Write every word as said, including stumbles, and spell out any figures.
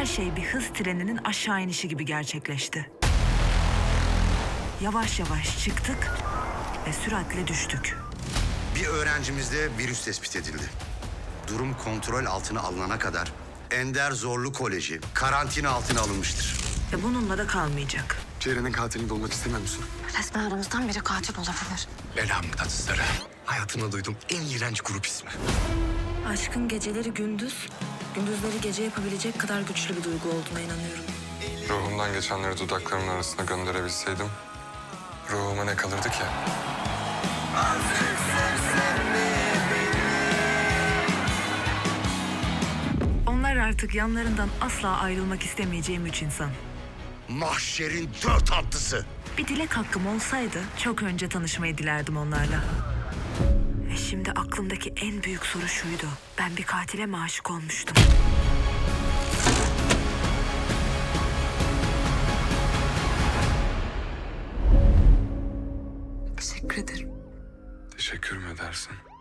Her şey bir hız treninin aşağı inişi gibi gerçekleşti. Yavaş yavaş çıktık ve süratle düştük. Bir öğrencimizde virüs tespit edildi. Durum kontrol altına alınana kadar Ender Zorlu Koleji karantina altına alınmıştır. Ve bununla da kalmayacak. Ceren'in katilini bulmak istemiyor musun? Resmen aramızdan biri katil olabilir. Belamın tatlıları. Hayatımda duyduğum en iğrenç grup ismi. Aşkın geceleri gündüz, gündüzleri gece yapabilecek kadar güçlü bir duygu olduğuna inanıyorum. Ruhumdan geçenleri dudaklarımın arasına gönderebilseydim, ruhuma ne kalırdı ki? Onlar artık yanlarından asla ayrılmak istemeyeceğim üç insan. Mahşerin dört atlısı. Bir dilek hakkım olsaydı çok önce tanışmayı dilerdim onlarla. Ve şimdi aklımdaki en büyük soru şuydu. Ben bir katile mi aşık olmuştum? Teşekkür ederim. Teşekkür mü edersin?